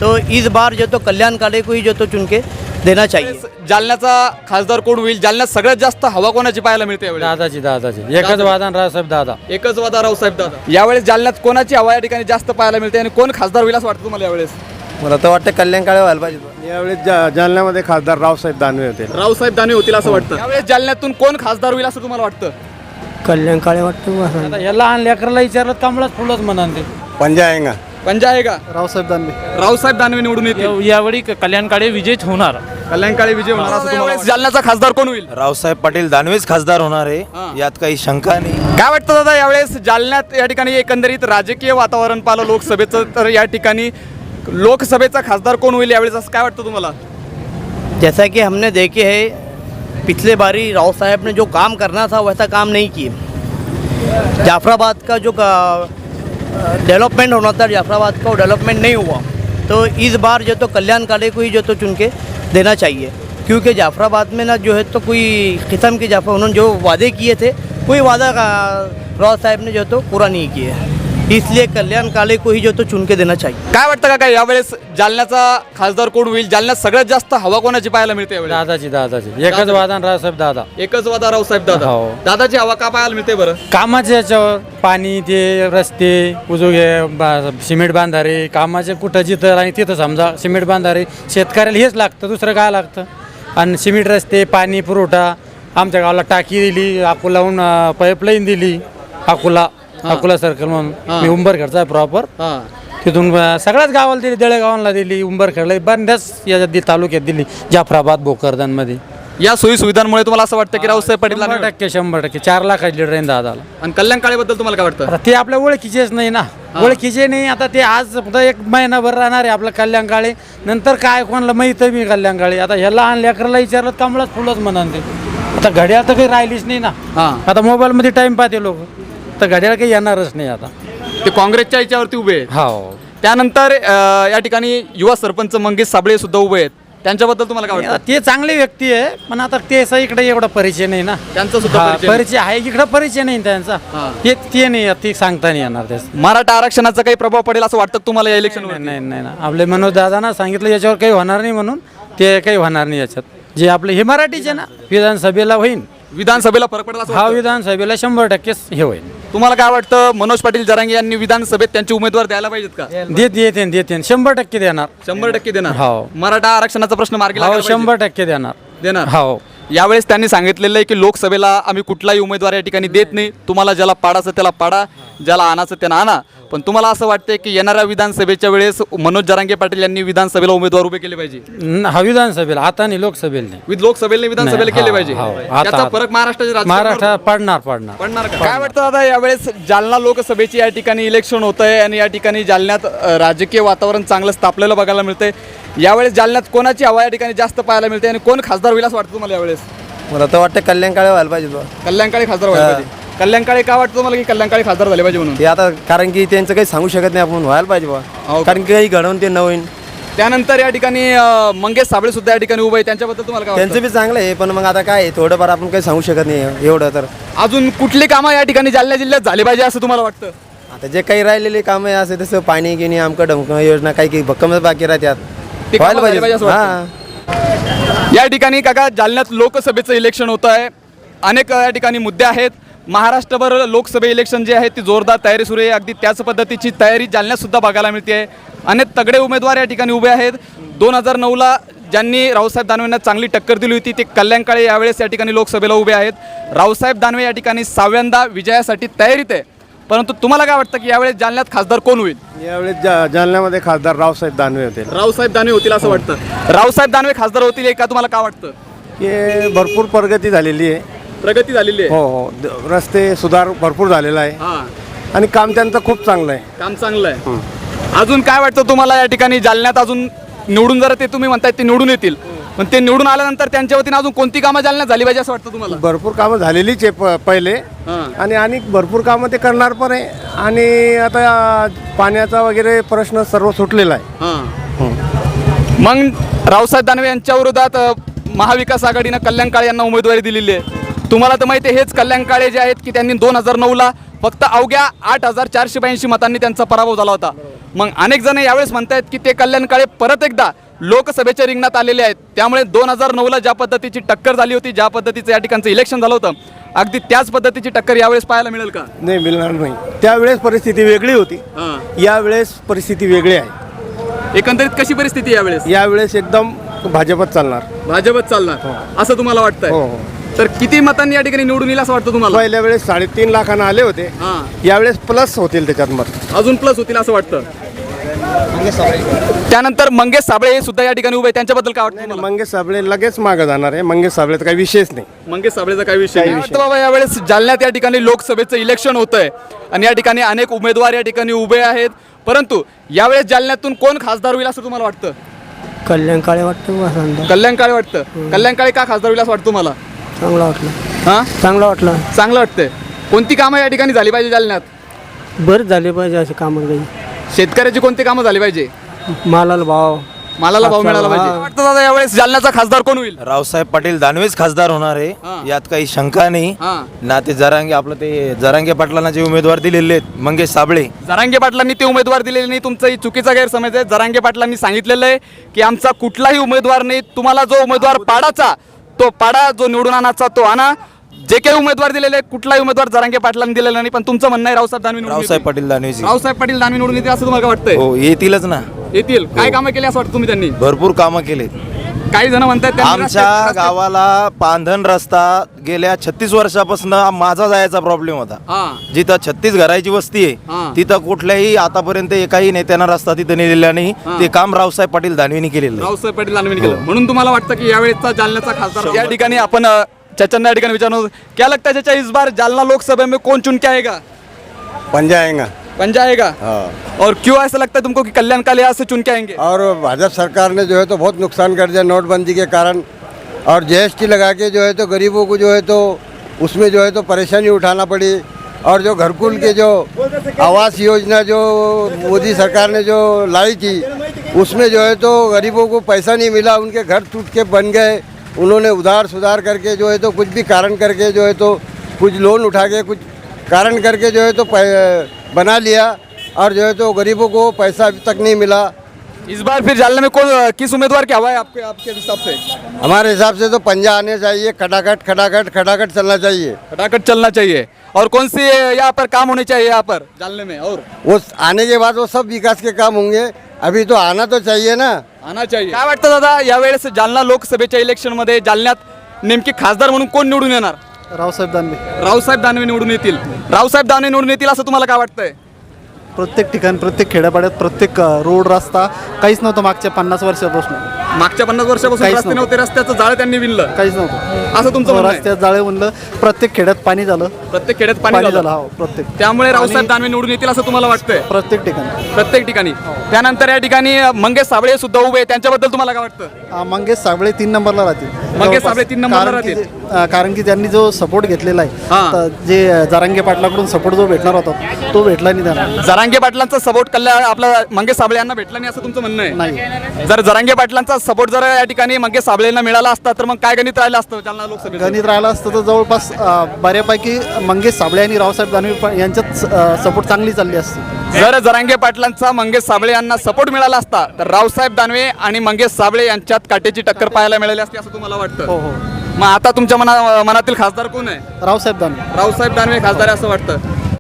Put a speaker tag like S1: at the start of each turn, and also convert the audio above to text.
S1: तो इस बार जो तो कल्याण काळे को ही जो तो चुन के देना चाहिए।
S2: जालन्याचा खासदार कोण होईल? जालन्यात सगळ्यात जास्त हवा कोणाची पाहायला मिळते यावेळी?
S3: दादाची एकच वादन रावसाहेब दादा.
S2: एकच वादा रावसाहेब दादा. यावेळेस जालन्यात कोणाची हवा या ठिकाणी जास्त पाहायला मिळते आणि कोण खासदार होईल असं वाटतं तुम्हाला यावेळेस?
S4: मला तर वाटतं कल्याण काळे व्हायला पाहिजे.
S5: यावेळेस जालन्यामध्ये खासदार रावसाहेब दानवे होते.
S2: रावसाहेब दानवे होतील असं वाटतं. यावेळेस जालन्यातून कोण खासदार होईल असं तुम्हाला वाटतं?
S4: कल्याण काळे वाटतं.
S3: आता या लहान लेकराला विचारलं कमळच फुलच म्हणाल ते.
S5: पंजा आहे का?
S2: पंजा आहे का?
S5: रावसाहेब दानवे.
S2: रावसाहेब दानवे निवडून येतील.
S3: यावेळी कल्याण काळे विजयच होणार.
S2: कल्याण काळे विजय होणार असं तुम्हाला वाटतं? जालन्याचा खासदार कोण होईल?
S4: रावसाहेब पाटील दानवेच खासदार होणार आहे, यात काही शंका नाही.
S2: काय वाटतं दादा यावेळेस जालन्यात या ठिकाणी एकंदरीत राजकीय वातावरण पाहिलं लोकसभेचं, तर या ठिकाणी लोकसभेचा खासदार कोण होईल यावेळेस असं काय वाटतं तुम्हाला?
S1: जैसा कि हमने देखे है पिछले बारी राव साहब ने जो काम करना था वैसा काम नहीं किए। जाफराबाद का जो डेवलपमेंट होना था जाफराबाद का वो डेवलपमेंट नहीं हुआ। तो इस बार जो तो कल्याण काळे को ही जो तो चुन के देना चाहिए, क्योंकि जाफराबाद में ना जो है तो कोई किस्म के उन्होंने जो वादे किए थे कोई वादा राव साहब ने जो तो पूरा नहीं किया, इसलिए कल्याण काळे को ही जो तो चुन के देना चाहिए।
S2: काय वाटतं का काय यावेळेस जालन्याचा खासदार कोण होईल? जालन्यात सगळ्यात जास्त हवा कोणाची पाहायला मिळते यावेळेस?
S3: दादाची एकच वादन रावसाहेब दादा.
S2: एकच वादा रावसाहेब दादा.
S3: हो.
S2: दादाची हवा का पाहायला मिळते बरं?
S3: कामाच्या याच्यावर पाणी ते रस्ते सिमेंट बांधारे कामाचे कुठं जिथं आणि तिथं समजा सिमेंट बांधारे शेतकऱ्याला हेच लागतं, दुसरं काय लागतं? आणि सिमेंट रस्ते पाणी पुरवठा आमच्या गावाला टाकी दिली, अकोलाहून पाईपलाईन दिली, अकोला सर्कल म्हणून मी उंबरखेडचा आहे प्रॉपर, तिथून सगळ्याच गावाला दिली, देळेगावांना दिली, उंबरखेडला बऱ्याच याच्यात तालुक्यात दिली, जाफराबाद भोकरदनमध्ये.
S2: या सोयी सुविधांमुळे तुम्हाला असं वाटतं की रावसाहेब पाटील
S3: 100% 4 लाखाची लीडर आहे दादाला.
S2: आणि कल्याण काळेबद्दल तुम्हाला काय वाटतं?
S3: आता ते आपल्या ओळखीचेच नाही ना, ओळखीचे नाही. आता ते आज फक्त 1 महिनाभर राहणार आहे आपलं कल्याण काळे, नंतर काय कोणाला माहित आहे मी कल्याण काळे. आता ह्या लहान लेकराला विचारलं कमळच फुलच म्हणाल ते. आता घड्याळ तर काही राहिलीच नाही ना. आता मोबाईलमध्ये टाइम पाहते लोक, तर घड्याळ काही येणारच नाही आता.
S2: ते काँग्रेसच्या याच्यावरती उभे आहेत.
S3: हो.
S2: त्यानंतर या ठिकाणी युवा सरपंच मंगेश साबळे सुद्धा उभे आहेत, त्यांच्याबद्दल तुम्हाला काय वाटतं?
S3: ते चांगली व्यक्ती आहे, पण आता ते इकडे एवढा परिचय नाही ना.
S2: त्यांचा सुद्धा
S3: परिचय आहे, इकडे परिचय नाही त्यांचा. ते नाही, ते सांगता नाही येणार त्याच.
S2: मराठा आरक्षणाचा काही प्रभाव पडेल असं वाटतं तुम्हाला या इलेक्शन?
S3: नाही ना, आपले मनोज दादांना सांगितलं याच्यावर काही होणार नाही म्हणून, ते काही होणार नाही याच्यात. जे आपले हे मराठीचे ना, विधानसभेला होईल,
S2: विधानसभेला फरक पडेल असं
S3: हा
S2: वाटतं?
S3: विधानसभेला 100% हे होईल.
S2: तुम्हाला काय वाटतं मनोज पाटील जरांगे यांनी विधानसभेत त्यांचे उमेदवार द्यायला पाहिजेत का?
S3: देते 100% देणार.
S2: 100% देणार.
S3: हो.
S2: मराठा आरक्षणाचा प्रश्न मार्गी
S3: हो,
S2: लागायला पाहिजे.
S3: 100%
S2: देणार.
S3: हो.
S2: यावेळेस त्यांनी सांगितलेलं आहे की लोकसभेला आम्ही कुठलाही उमेदवार या ठिकाणी देत नाही, तुम्हाला ज्याला पाडायचं त्याला पाडा, ज्याला आणायचं त्यांना आणा. पण तुम्हाला असं वाटतंय की येणाऱ्या विधानसभेच्या वेळेस मनोज जरांगे पाटील यांनी विधानसभेला उमेदवार उभे केले पाहिजे?
S3: हा विधानसभेला, आता नाही लोकसभेला नाही.
S2: लोकसभेला विधानसभेला
S3: नाही,
S2: केले
S3: हो,
S2: पाहिजे.
S3: हो.
S2: याचा
S3: आता-
S2: फरक महाराष्ट्राच्या राजकारणावर
S3: महाराष्ट्र पडणार.
S2: पडणार का? काय वाटतं दादा यावेळेस जालना लोकसभेची या ठिकाणी इलेक्शन होत आहे आणि या ठिकाणी जालन्यात राजकीय वातावरण चांगलं तापलेलं बघायला मिळतंय. यावेळेस जालन्यात कोणाची हवा या ठिकाणी जास्त पाहायला मिळते आणि कोण खासदार होईल असं वाटतं तुम्हाला यावेळेस?
S4: मला तर वाटतं कल्याण काळे व्हायला पाहिजे.
S2: कल्याण काळे खासदार व्हायला पाहिजे. कल्याण काळे का वाटतं तुम्हाला की कल्याण काळे खासदार झाले पाहिजे म्हणून?
S4: ते आता कारण की त्यांचं काही सांगू शकत नाही आपण, व्हायला पाहिजे बा,
S2: हो.
S4: कारण की काही घडवून ते नवीन.
S2: त्यानंतर या ठिकाणी मंगेश साबळे सुद्धा या ठिकाणी उभे आहे, त्यांच्याबद्दल तुम्हाला काय
S4: त्यांचं
S2: वाटतं?
S4: बी चांगलं आहे, पण मग आता काय आहे, थोडंफार आपण काही सांगू शकत नाही एवढं. तर
S2: अजून कुठली कामं या ठिकाणी जालना जिल्ह्यात झाली पाहिजे असं तुम्हाला वाटतं?
S4: आता जे काही राहिलेले कामं आहे असं तसं पाणी गिणी आमकं ढमकं योजना काही भक्कमच बाकी राहतात,
S2: ते कामं
S4: व्हायला
S2: झाली पाहिजे असं
S4: पाहिजे.
S2: या ठिकाणी काका जालन्यात लोकसभेचं इलेक्शन होतं आहे, अनेक या ठिकाणी मुद्दे आहेत. महाराष्ट्रभर लोकसभा इलेक्शन जे आहे ती जोरदार तयारी सुरू आहे. अगदी त्याच पद्धतीची तयारी जालन्यात सुद्धा बघायला मिळते आहे. अनेक तगडे उमेदवार या ठिकाणी उभे आहेत. 2009ला ज्यांनी रावसाहेब दानवेंना चांगली टक्कर दिली होती ते कल्याण काळे यावेळेस या ठिकाणी लोकसभेला उभे आहेत. रावसाहेब दानवे या ठिकाणी 6व्यांदा विजयासाठी तयारीत आहे. परंतु तुम्हाला काय वाटतं की यावेळेस जालन्यात खासदार कोण होईल?
S5: यावेळेस जालन्यामध्ये खासदार रावसाहेब दानवे होते.
S2: रावसाहेब दानवे होतील असं वाटतं. रावसाहेब दानवे खासदार होतील का तुम्हाला काय वाटतं?
S5: की भरपूर प्रगती झालेली आहे.
S2: प्रगती झालेली आहे.
S5: हो, रस्ते सुधार भरपूर झालेला आहे
S2: हां,
S5: आणि काम त्यांचं खूप चांगलं आहे.
S2: काम चांगलं आहे. अजून काय वाटतं तुम्हाला या ठिकाणी जालन्यात अजून निवडून जर ते तुम्ही म्हणताय ते निवडून येतील, पण ते निवडून आल्यानंतर त्यांच्या वतीने अजून कोणती कामं जालन्यात झाली पाहिजे असं वाटतं तुम्हाला?
S5: भरपूर कामं झालेलीच आहे पहिले, आणि भरपूर कामं ते करणार पण आहे. आणि आता पाण्याचा वगैरे प्रश्न सर्व सुटलेला आहे.
S2: मग रावसाहेब दानवे यांच्या विरोधात महाविकास आघाडीनं कल्याण काळे यांना उमेदवारी दिलेली आहे. तुम्हाला तर माहिती आहे हेच कल्याण काळे जे आहेत की त्यांनी 2009ला फक्त अवघ्या 8,482 मतांनी त्यांचा पराभव झाला होता. मग अनेक जण यावेळेस म्हणतायत की ते कल्याण काळे परत एकदा लोकसभेच्या रिंगणात आलेले आहेत, त्यामुळे 2009ला ज्या पद्धतीची टक्कर झाली होती, ज्या पद्धतीचं या ठिकाणचं इलेक्शन झालं होतं, अगदी त्याच पद्धतीची टक्कर यावेळेस पाहायला मिळेल का?
S5: नाही, मिळणार नाही. त्यावेळेस परिस्थिती वेगळी होती, यावेळेस परिस्थिती वेगळी आहे.
S2: एकंदरीत कशी परिस्थिती आहे यावेळेस?
S5: यावेळेस एकदम भाजपच चालणार.
S2: भाजपच चालणार असं तुम्हाला
S5: हो
S2: वाटतंय?
S5: हो.
S2: तर किती मतांनी या ठिकाणी निवडून येईल असं वाटतं तुम्हाला?
S5: पहिल्या वेळेस 3.5 लाखांना आले होते, यावेळेस प्लस होतील त्याच्यात मत.
S2: अजून प्लस होतील असं वाटतं. त्यानंतर मंगेश साबळे हे सुद्धा या ठिकाणी उभे आहेत, त्यांच्याबद्दल काय वाटतं तुम्हाला?
S5: मंगेश साबळे लगेच मागं जाणार आहे. मंगेश साबळेचा काही विषयच नाही.
S2: मंगेश साबळेचा काय विषय नाही. वाटतं बाबा यावेळेस जालन्यात या ठिकाणी लोकसभेचं इलेक्शन होतंय आणि या ठिकाणी अनेक उमेदवार या ठिकाणी उभे आहेत, परंतु यावेळेस जालन्यातून कोण खासदार होईल असं तुम्हाला वाटतं?
S1: कल्याण काळे वाटतं.
S2: कल्याण काळे वाटतं. कल्याण काळे का खासदार होईल असं वाटतं तुम्हाला?
S1: चांगला वाटलं.
S2: हां,
S1: चांगला वाटलं.
S2: चांगलं वाटतंय. कोणती कामं या ठिकाणी झाली पाहिजे जालन्यात?
S1: बरं झाले पाहिजे असे कामं काही.
S2: शेतकऱ्याची कोणती कामं झाली पाहिजे?
S1: मालाला भाव
S2: मिळाला पाहिजे. वाटतं दादा यावेळेस जालन्याचा खासदार कोण होईल?
S6: रावसाहेब पाटील दानवेच खासदार होणार आहे, यात काही शंका नाही. ना ते जरांगे पाटलांना जे उमेदवार दिलेले आहेत मंगेश साबळे,
S2: जरांगे पाटलांनी ते उमेदवार दिलेले नाही, तुमचाही चुकीचा गैरसमज आहे. जरांगे पाटलांनी सांगितलेलं आहे की आमचा कुठलाही उमेदवार नाही, तुम्हाला जो उमेदवार पाडाचा तो पाडा, जो निवडून आणायचा तो आणा. जे काही उमेदवार दिलेले कुठलाही उमेदवार जरांगे पाटलांनी दिलेला नाही, पण तुमचं म्हणणं आहे रावसाहेब दानवे निवडून
S6: रावसाहेब
S2: येतील.
S6: पाटील दानवेजी
S2: रावसाहेब पाटील दानवे निवडून येतील असं तुम्हाला वाटतंय?
S6: हो, येतीलच ना.
S2: येतील. काय कामं केली असं वाटतं तुम्ही त्यांनी?
S6: भरपूर कामं केले.
S2: काही जण म्हणतात त्यांनी
S6: आमच्या
S2: रस्ते-
S6: गावाला पांधन रस्ता गेल्या 36 वर्षापासून माझा जायचा प्रॉब्लेम होता.
S2: हां.
S6: जिथं 36 घराची वस्ती
S2: हां.
S6: आहे तिथं कुठल्याही आतापर्यंत एकाही नेत्यानं रस्ता तिथं नेलेला नाही. ते काम रावसाहेब पाटील दानवेनी केलेलं आहे.
S2: रावसाहेब पाटील दानवेंनी केलं, म्हणून तुम्हाला वाटतं की यावेळेसचा जालन्याचा खासदार. या ठिकाणी आपण चचन या ठिकाणी विचारणार, क्या लगता है चाचा इस बार जालना लोकसभा में कौन चुन के आएगा?
S5: पंजा आएगा.
S2: पंजा आएगा? और क्यों ऐसा लगता है तुमको कि कल्याण काले यहाँ से चुन के आएंगे?
S5: और भाजपा सरकार ने जो है तो बहुत नुकसान कर दिया नोटबंदी के कारण, और जीएसटी लगा के जो है तो गरीबों को जो है तो उसमें जो है तो परेशानी उठाना पड़ी. और जो घरकुल के जो आवास योजना जो मोदी सरकार ने जो लाई थी उसमें जो है तो गरीबों को पैसा नहीं मिला, उनके घर टूट के बन गए. उन्होंने उधार सुधार करके जो है तो कुछ भी कारण करके जो है तो कुछ लोन उठा के कुछ कारण करके जो है तो बना लिया, और जो है तो गरीबों को पैसा अभी तक नहीं मिला.
S2: इस बार फिर जालना में कौन किस उम्मीदवार की हवा है आपके हिसाब से?
S5: हमारे हिसाब से तो पंजा आने चाहिए. खटाखट चलना चाहिए.
S2: फटाखट चलना चाहिए. और कौन सी यहाँ पर काम होने चाहिए यहाँ पर जालने में? और
S5: वो आने के बाद वो सब विकास के काम होंगे. अभी तो आना तो चाहिए ना.
S2: आना चाहिए. काय वाटतं दादा यावेळेस जालना लोकसभेच्या इलेक्शन मध्ये जालन्यात नेमकी खासदार म्हणून कोण निवडून येणार?
S7: रावसाहेब दानवे.
S2: रावसाहेब दानवे निवडून येतील. रावसाहेब दानवे निवडून येतील असं तुम्हाला काय वाटतंय?
S7: प्रत्येक ठिकाण, प्रत्येक खेड्यापाड्यात, प्रत्येक रोड रस्ता काहीच नव्हतं मागच्या 50 वर्षापासून.
S2: मागच्या 50 वर्षापासून
S7: काहीच
S2: रस्ते नव्हते, रस्त्याचं जाळं त्यांनी विणलं
S7: काहीच नव्हतं.
S2: असं तुमचं म्हणणं आहे?
S7: रस्त्यात जाळे म्हणलं, प्रत्येक खेड्यात पाणी झालं.
S2: प्रत्येक खेड्यात पाणी
S7: पाणी झालं
S2: झालं.
S7: हो, प्रत्येक
S2: त्यामुळे रावसाहेब दानवे निवडून येतील असं तुम्हाला वाटतंय?
S7: प्रत्येक ठिकाणी.
S2: प्रत्येक ठिकाणी. त्यानंतर या ठिकाणी मंगेश साबळे सुद्धा उभे आहेत, त्यांच्याबद्दल तुम्हाला काय वाटतं?
S7: मंगेश साबळे 3 नंबरला राहतील.
S2: मंगेश साबळे 3 नंबरला
S7: कारण की-
S2: राहतील.
S7: कारण की त्यांनी जो सपोर्ट घेतलेला
S2: हां.
S7: आहे, तर जे जरांगे पाटलाकडून सपोर्ट जो भेटणार होता तो भेटला नाही त्यांना.
S2: जरांगे पाटलांचा सपोर्ट कल्याण आपला मंगेश साबळे यांना भेटला नाही असं तुमचं म्हणणं आहे?
S7: नाही.
S2: जर जरांगे पाटलांचा सपोर्ट जर या ठिकाणी मंगेश साबळेंना मिळाला असता तर मग काय गणित राहिलं असतं जालना लोकसभेत?
S7: गणित राहिलं असतं तर जवळपास बऱ्यापैकी मंगेश साबळे आणि रावसाहेब दानवे यांच्यात सपोर्ट चांगली चालली असते.
S2: जर जरांगे पाटलांचा मंगेश साबळे यांना सपोर्ट मिळाला असता तर रावसाहेब दानवे आणि मंगेश साबळे यांच्यात काटेची टक्कर पाहायला मिळाली असती असं तुम्हाला वाटतं?
S7: हो.
S2: मग आता तुमच्या मनातील खासदार कोण आहे?
S7: रावसाहेब दानवे.
S2: रावसाहेब दानवे खासदार आहे असं वाटतं.